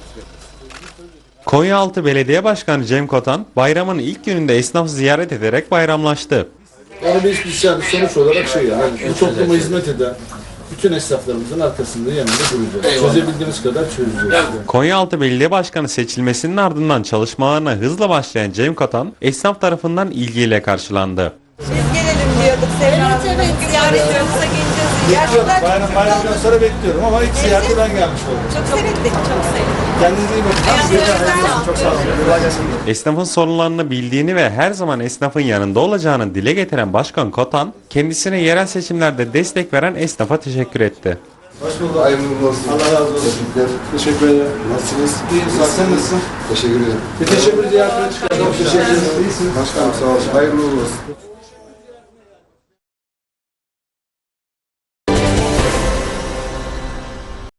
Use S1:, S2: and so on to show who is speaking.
S1: Konyaaltı Belediye Başkanı Cem Kotan, bayramın ilk gününde esnafı ziyaret ederek bayramlaştı.
S2: Yani biz yani sonuç olarak bu topluma hizmet eden bütün esnaflarımızın arkasında yanında duracağız. Çözebildiğimiz kadar çözeceğiz.
S1: Konyaaltı Belediye Başkanı seçilmesinin ardından çalışmalarına hızla başlayan Cem Kotan, esnaf tarafından ilgiyle karşılandı.
S3: Biz gelelim diyorduk Sevda Hanım. Bugün ziyaretlerimize geleceğiz. Gerçekten
S2: Bayramdan sonra bekliyorum ama ilk ziyarete ben gelmiş oldum.
S3: çok sevindik, çok sevindik.
S2: Kendinize iyi bakın. Çok sağ olun. Kolay gelsin.
S1: Esnafın sorunlarını bildiğini ve her zaman esnafın yanında olacağını dile getiren Başkan Kotan, kendisine yerel seçimlerde destek veren esnafa teşekkür etti.
S2: Hoş bulduk. Hayırlı olsun. Allah razı olsun. Teşekkür ederim. Nasılsınız? İyiyim. Sen nasılsın?
S4: Teşekkür ederim.
S2: Bir teşekkür ziyaretine çıkardım. Teşekkür ederim. İyisiniz.
S4: Başkanım sağ olun. Hayırlı olsun.